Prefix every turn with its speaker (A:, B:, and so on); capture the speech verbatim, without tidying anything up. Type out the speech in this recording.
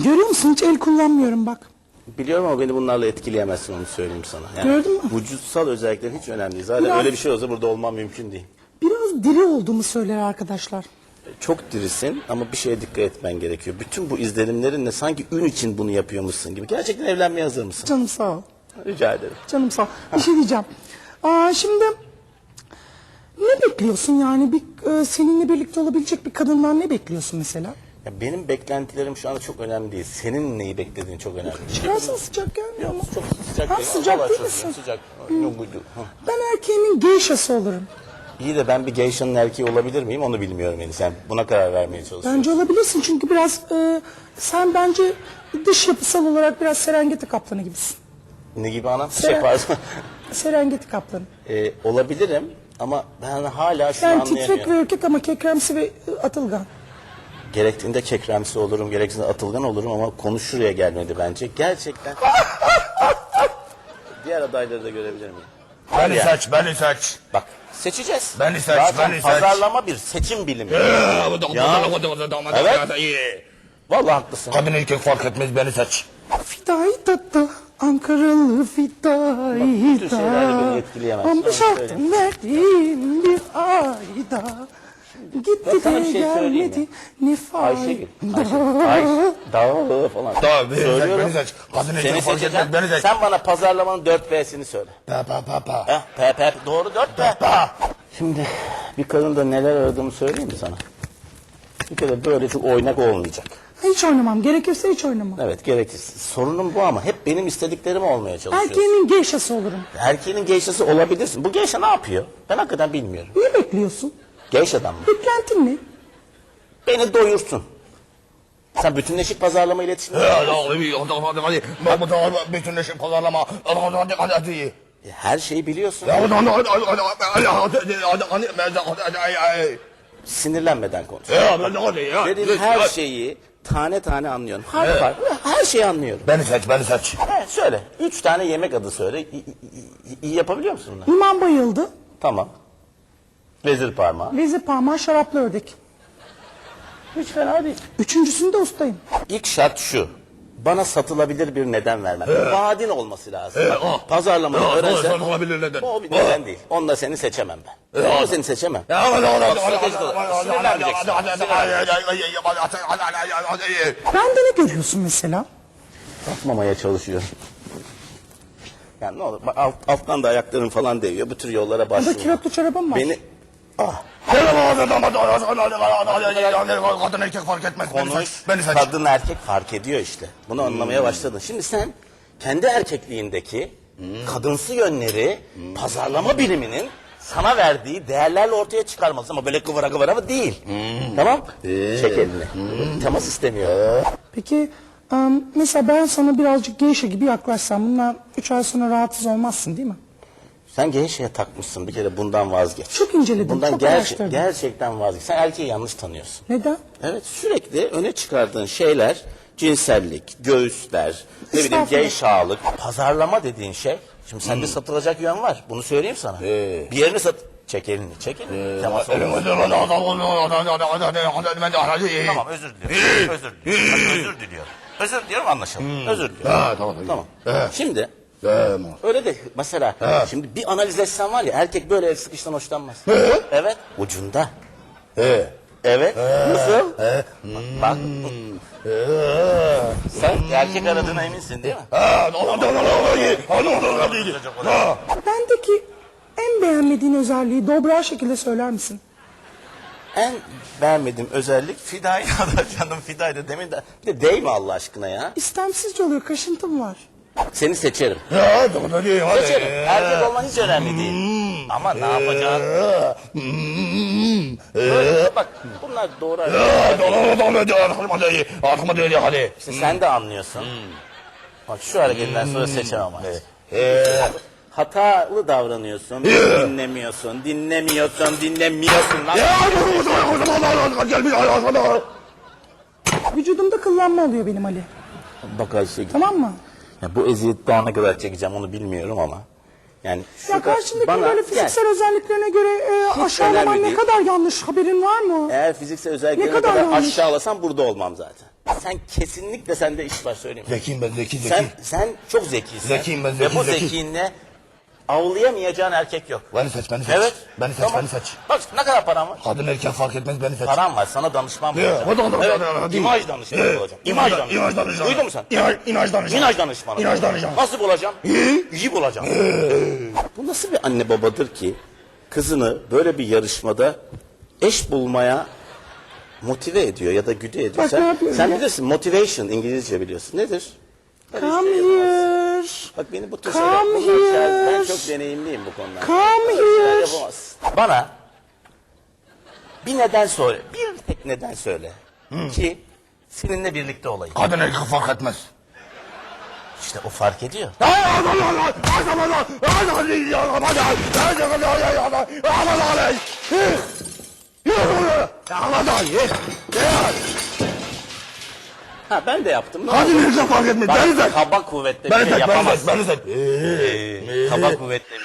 A: Görüyor musun? Hiç el kullanmıyorum bak.
B: Biliyorum ama beni bunlarla etkileyemezsin, onu söyleyeyim sana. Yani
A: Gördün mü?
B: vücutsal özelliklerin hiç önemli değil. Zaten
A: Biraz-
B: öyle bir şey olsa burada olmam mümkün değil.
A: Biraz diri olduğumu söyler arkadaşlar.
B: Çok dirisin ama bir şeye dikkat etmen gerekiyor. Bütün bu izlenimlerinle sanki ün için bunu yapıyormuşsun gibi. Gerçekten evlenmeye hazır mısın?
A: Canım sağ ol.
B: Rica ederim.
A: Canım sağ ol. Bir şey diyeceğim. Aa, şimdi ne bekliyorsun yani? Bir, e, seninle birlikte olabilecek bir kadından ne bekliyorsun mesela?
B: Ya benim beklentilerim şu anda çok önemli değil. Senin neyi beklediğin çok önemli.
A: Çıkarsın sıcak gelmiyor mu?
B: Çok sıcak
A: Ha,
B: değil.
A: sıcak
B: Vallahi
A: değil
B: çok
A: misin?
B: Sıcak. Yok, buydu. Ha.
A: Ben erkeğimin geyşası olurum.
B: İyi de ben bir geyşanın erkeği olabilir miyim onu bilmiyorum yani. Sen buna karar vermeye çalışıyorsun.
A: Bence olabilirsin çünkü biraz e, sen bence dış yapısal olarak biraz Serengeti kaplanı gibisin.
B: Ne gibi anam?
A: Seren-
B: Şey pardon.
A: Serengeti kaplanı.
B: Ee, olabilirim ama ben hala şunu
A: Yani titrek
B: anlayamıyorum.
A: ve ürkek ama kekremsi ve e, atılgan.
B: Gerektiğinde kekremsi olurum, gerektiğinde atılgan olurum ama konu şuraya gelmedi bence. Gerçekten. Diğer adayları da görebilir miyim?
C: Beni
B: Ya.
C: seç, beni seç.
B: Bak seçeceğiz.
C: Beni seç,
B: Zaten
C: beni seç.
B: pazarlama bir seçim bilimi. Vallahi haklısın.
C: Kadın erkek fark etmez, beni seç.
A: Fidai tatta, Ankaralı fidai
B: bütün şeylerle beni etkileyemez.
A: Ama
B: Sana
A: şartım
B: söyleyeyim.
A: verdiğim bir ayda. Gitti
B: Ben sana
A: de
B: bir şey söyleyeyim
A: gelmedi ne
B: Ayşegül.
A: fayda.
B: Ayşegül. Dağı falan.
C: Tamam, beni seç,
B: Söylüyorum.
C: beni seç. Kadın
B: Seni
C: erkek fark
B: seçeceğim.
C: etmez, beni seç.
B: Sen bana pazarlamanın dört P'sini söyle.
C: Pa pa pa pa.
B: Heh, P P doğru dört P. Şimdi bir kadında neler aradığımı söyleyeyim mi sana? Bir kere böyle çok oynak olmayacak.
A: Hiç oynamam. Gerekirse hiç oynamam.
B: Evet gerekirse. Sorunum bu ama hep benim istediklerim olmaya çalışıyorsun.
A: Erkeğimin geyşası olurum.
B: Erkeğin geyşası olabilirsin. Bu geyşa ne yapıyor? Ben hakikaten bilmiyorum.
A: Ne bekliyorsun?
B: Geyşadan mı?
A: Beklentin ne?
B: Beni doyursun. Sen bütünleşik pazarlama iletişimi...
C: Bütünleşik pazarlama. Hadi hadi hadi.
B: Her şeyi biliyorsun. Sinirlenmeden konuş. Dediğin her şeyi tane tane anlıyorum. Harf
C: Evet.
B: harf, her şeyi anlıyorum.
C: Beni seç, beni seç.
B: Evet, söyle. Üç tane yemek adı söyle. İyi, iyi- iyi yapabiliyor musun bunları?
A: İmam bayıldı.
B: Tamam. Vezir parmağı.
A: Vezir parmağı şaraplı ördek.
B: Hiç fena değil.
A: Üçüncüsünde ustayım.
B: İlk şart şu. Bana satılabilir bir neden vermen. Vaadin olması lazım.
C: Ee,
B: Bak,
C: o.
B: Pazarlamayı
C: O,
B: öğrensen.
C: satılabilir neden.
B: O bir neden değil. Onunla seni seçemem ben. Onunla seni seçemem.
A: Bende ne görüyorsun mesela?
B: Satmamaya çalışıyorum. Yani ne olur bak, alt, alttan da ayakların falan değiyor. Bu tür yollara
A: Burada
B: başvurma.
A: kilotlu çorabım var.
B: Beni ah,
C: Kadın erkek fark etmez, beni
B: konuş.
C: seç. Beni seç.
B: Kadın erkek fark ediyor işte. Bunu anlamaya başladın. Şimdi sen kendi erkekliğindeki kadınsı yönleri pazarlama biliminin sana verdiği değerlerle ortaya çıkarmalısın ama böyle kıvıra kıvıra değil. Tamam? Çek elini. Temas istemiyor.
A: Peki em, mesela ben sana birazcık geyşe gibi yaklaşsam bundan üç ay sonra rahatsız olmazsın değil mi?
B: Sen gençliğe takmışsın bir kere bundan vazgeç.
A: Çok inceledim,
B: Bundan
A: çok
B: gerçek,
A: araştırdım.
B: gerçekten vazgeç. Sen erkeği yanlış tanıyorsun.
A: Neden?
B: Evet sürekli öne çıkardığın şeyler cinsellik, göğüsler, ne bileyim
A: Estağfurullah.
B: geyşalık, pazarlama dediğin şey. Şimdi sende satılacak yön var. Bunu söyleyeyim sana. Bir yerini sat... Çek elini, çek elini. Temas olmaz. Tamam özür diliyorum. özür diliyorum. Hadi, özür diliyorum. Özür diliyorum anlaşalım. Özür diliyorum.
C: Ha, tamam,
B: Tamam. Şimdi
C: Tamam.
B: öyle de mesela şimdi bir analiz etsen var ya erkek böyle el sıkıştan hoşlanmaz. Evet. Ucunda.
C: He.
B: Evet. Nasıl? Bak. Sen erkek aradığına eminsin değil mi?
A: Bendeki en beğenmediğin özelliği dobra şekilde söyler misin?
B: En beğenmediğim özellik Fida'yı da canım Fida'ydı demin de. Bir de değme Allah aşkına ya.
A: İstemsizce oluyor, kaşıntım var.
B: Seni seçerim.
C: Ya, hadi, hadi.
B: Seçerim. Erkek olman hiç önemli değil. Ama ne yapacaksın? Böyle bak bunlar doğru.
C: Hadi.
B: İşte sen de anlıyorsun. Bak şu hareketinden sonra seçemem artık. Hatalı davranıyorsun, dinlemiyorsun, dinlemiyorsun, dinlemiyorsun lan.
A: Vücudumda kıllanma oluyor benim Ali.
B: Bak Ayşegül.
A: Tamam mı?
B: Ya bu eziyeti daha ne kadar çekeceğim onu bilmiyorum ama Yani
A: Ya
B: şurada
A: karşındaki
B: bana-
A: böyle
B: gel.
A: fiziksel özelliklerine göre e, aşağılaman
B: önemli
A: ne
B: değil.
A: kadar yanlış, haberin var mı?
B: Eğer fiziksel özelliklerine
A: Ne kadar
B: kadar
A: yanlış.
B: aşağılasam burada olmam zaten. Sen kesinlikle sende iş var, söyleyeyim mi?
C: Zekiyim ben, zeki, zeki.
B: Sen, sen çok zekisin.
C: Zekiyim ben,
B: Ve
C: zeki,
B: bu
C: zeki.
B: zekinle avlayamayacağın erkek yok.
C: Beni seç, beni seç.
B: Evet.
C: Beni seç,
B: Tamam.
C: beni seç.
B: Bak ne kadar param var?
C: Kadın erkek fark etmez, beni seç.
B: Param var, sana danışman
C: Ya,
B: bulacağım.
C: o da- o da-
B: Evet,
C: o da- o da-
B: imaj danışmanı
C: Evet.
B: bulacağım. İmaj
C: İmaj-
B: danışmanı.
C: imaj danışmanı.
B: Duydun mu sen?
C: İmaj, imaj danışmanı.
B: İmaj danışmanı.
C: İmaj danışmanı.
B: Nasıl bulacağım? İyi. İyi bulacağım. Bu nasıl bir anne babadır ki kızını böyle bir yarışmada eş bulmaya motive ediyor ya da güde ediyor.
A: Bak ne
B: sen,
A: yapıyorum
B: sen
A: ya?
B: bilirsin, motivation İngilizce biliyorsun. Nedir? Böyle
A: Come
B: işte
A: here.
B: Bak beni bu tür
A: Come
B: şeyler, bunlar şeyler- ben
A: here.
B: çok deneyimliyim bu konuda.
A: Come
B: Şeyler
A: here.
B: yapamazsın. Bana bir neden söyle, bir tek neden söyle ki seninle birlikte olayım.
C: Kadın erkek fark etmez.
B: İşte o fark ediyor. Ha ben de yaptım. Ne
C: Kadın
B: oldu?
C: erkek fark etmez.
B: Bak,
C: Beni seç.
B: kaba kuvvetle bir
C: Beni
B: şey
C: seç, beni seç,
B: yapamazsın.
C: beni seç.
B: Ee, kaba kuvvetle